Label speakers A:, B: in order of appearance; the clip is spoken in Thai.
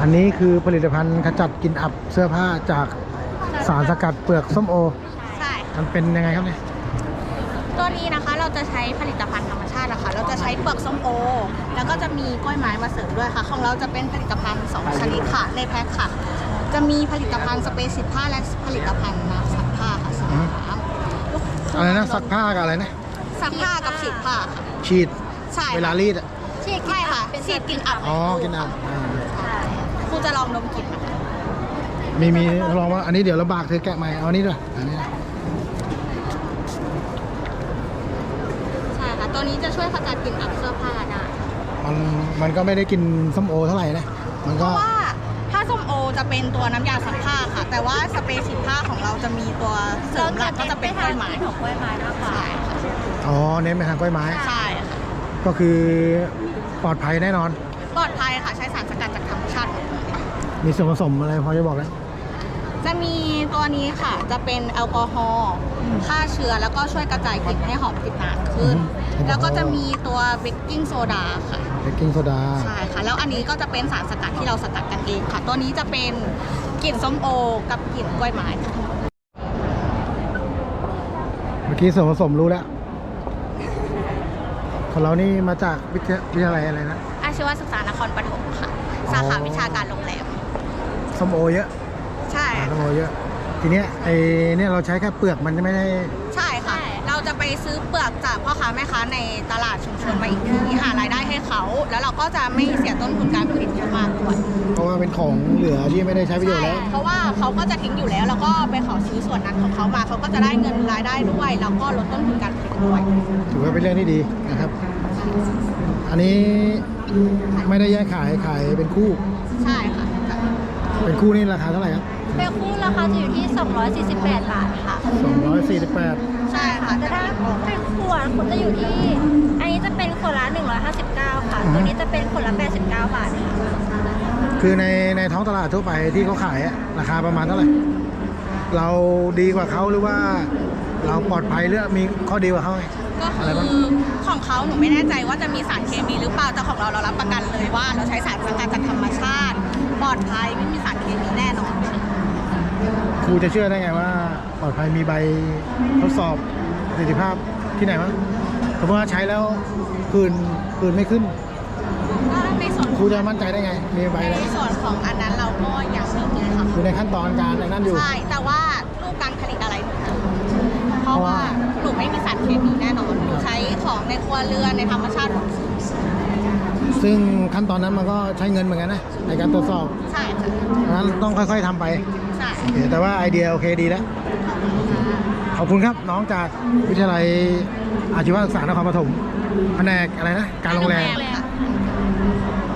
A: นนี้คือผลิตภัณฑ์ขจัดกลิ่นอับเสื้อผ้าจากสารสกัดเปลือกส้มโอ
B: ใช่
A: มันเป็นยังไงครับเนี่ย
B: ตัวนี้นะคะเราจะใช้ผลิตภัณฑ์ธรรมชาตินะคะเราจะใช้เปลือกส้มโอแล้วก็จะมีกล้วยไม้มาเสริมด้วยค่ะของเราจะเป็นผลิตภัณฑ์2ชนิดค่ะในแพ็คค่ะจะมีผลิตภัณฑ์สเปรย์ฉีดผ้าและผลิตภัณฑ์น้ำซักผ้าค่ะสองน้ำ
A: อะไรนะซักผ้ากับอะไรนะ
B: ซักผ้ากับฉีดผ้าค่ะ
A: ฉีด
B: ใช่
A: เวลารีดอ่ะ
B: ฉีดใช่ค่ะฉีดกลิ่นอับ
A: อ๋อกลิ่นอับ
B: ครูจะลองดมกลิ่นนะคะ
A: มีลองว่าอันนี้เดี๋ยวเราบากเธอแกะใหม่เอานี้ด้วยอันนี้
B: ใช่ค่ะตัวนี้จะช่วยขจัดกลิ่นอับเสื้อผ้าได้
A: มันก็ไม่ได้กินส้มโอเท่าไหร่นะมัน
B: เพ
A: ก็
B: ราะว่าถ้าส้มโอจะเป็นตัวน้ำยาซักผ้าค่ะแต่ว่าสเปรย์ฉีดผ้าของเราจะมีตัวเสริมหลักก็จะเป็นกล้วยไม้ของกล้วยไม้มากกว่าใช่ค่ะ
A: อ๋อเน้นไปทางกล้วยไม้
B: ใช่ค่ะ
A: ก็คือปลอดภัยแน่นอน
B: ปลอดภัยค่ะใช้สารสกัดจากธรรมชาติ
A: มีส่วนผสมอะไรพอจะบอกได้
B: จะมีตัวนี้ค่ะจะเป็นแอลกอฮอล์ฆ่าเชื้อแล้วก็ช่วยกระจายกลิ่นให้หอมติดนานขึ้นแล้วก็จะมีตัวเบกกิ้งโซดาค่ะ
A: เบกกิ้งโซดา
B: ใช่ค่ะแล้วอันนี้ก็จะเป็นสารสกัดที่เราสกัดกันเองค่ะตัวนี้จะเป็นกลิ่นส้มโอกับกลิ่นกล้วยไม้
A: เมื่อกี้ส่วนผสมรู้แล้วของเรานี่มาจากวิทยาลัยอะไรนะ
B: อาชีวศึกษานครปฐมค่ะสาขาวิชาการโรงแรม
A: ส้มโอเยอะ
B: ใช่
A: ส้มโอเยอะทีเนี้ยเนี่ยเราใช้แค่เปลือกมันไม่ได้
B: ใช่ค่ะเราจะไปซื้อเปลือกจากพ่อค้าแม่ค้าในตลาดชุมชนมาอีกทีหารายได้ให้เขาแล้วเราก็จะไม่เสียต้นทุนการผลิตเยอะมากด้วย
A: เพราะว่าเป็นของเหลือที่ไม่ได้ใช้ประโยชน์แล้ว
B: เพราะว่าเขาก็จะทิ้งอยู่แล้วแล้วก็ไปขอซื้อส่วนนั้นของเขามาเขาก็จะได้เงินรายได้ด้วยแล้วก็ลดต้นทุนการผลิตด้วย
A: ถือว่าเป็นเรื่องที่ดีนะครับอันนี้ไม่ได้แยกขายเป็นคู่
B: ใช่ค่ะ
A: เป็นคู่นี่ราคาเท่าไหร่ครับ
B: เป็นคู่ราคาจะอยู่ที่248 บาทค่ะ
A: 248
B: ใช่ค่ะแต่ถ้าเป็นขวดคุณจะอยู่ที่อันนี้จะเป็นขวดละ159ค่ะตัวนี้จะเป็นขวดละ89 บาทค่ะ
A: คือในท้องตลาดทั่วไปที่เขาขายราคาประมาณเท่าไหร่เราดีกว่าเขาหรือว่าเราปลอดภัยหรือมีข้อดีกว่าเขา
B: ก็คือของเขาหนูไม่แน่ใจว่าจะมีสารเคมีหรือเปล่าแต่ของเรารับประกันเลยว่าเราใช้สารสกัดจากธรรมชาติปลอดภัยไม่มีสารเคมีแน่นอน
A: ครูจะเชื่อได้ไงว่าปลอดภัยมีใบทดสอบประสิทธิภาพที่ไหนวะเพราะว่าใช้แล้วผื่นไม่ขึ้น
B: ก็ในส่วน
A: ครูจะมั่นใจได้ไงมีใบ
B: ในส่วนของอันนั้นเราก็ยังไม่มีค่ะ
A: อยู่ในขั้นตอนการนั่นอยู่
B: ใช่แต่ว่ารูปการผลิตอะไรเพราะว่าหนูไม่มีสารเคมีแน่นอนหนูใช้ของในครัวเรือนในธรรมชาติ
A: ซึ่งขั้นตอนนั้นมันก็ใช้เงินเหมือนกันนะในการตรวจสอบ
B: ใช่ค่ะ
A: นั้นต้องค่อยๆทำไป
B: ใช่
A: แต่ว่าไอเดียโอเคดีแล้วขอบคุณครับน้องจากวิทยาลัยอาชีวศึกษานครปฐมแผนกอะไรนะการโรงแรม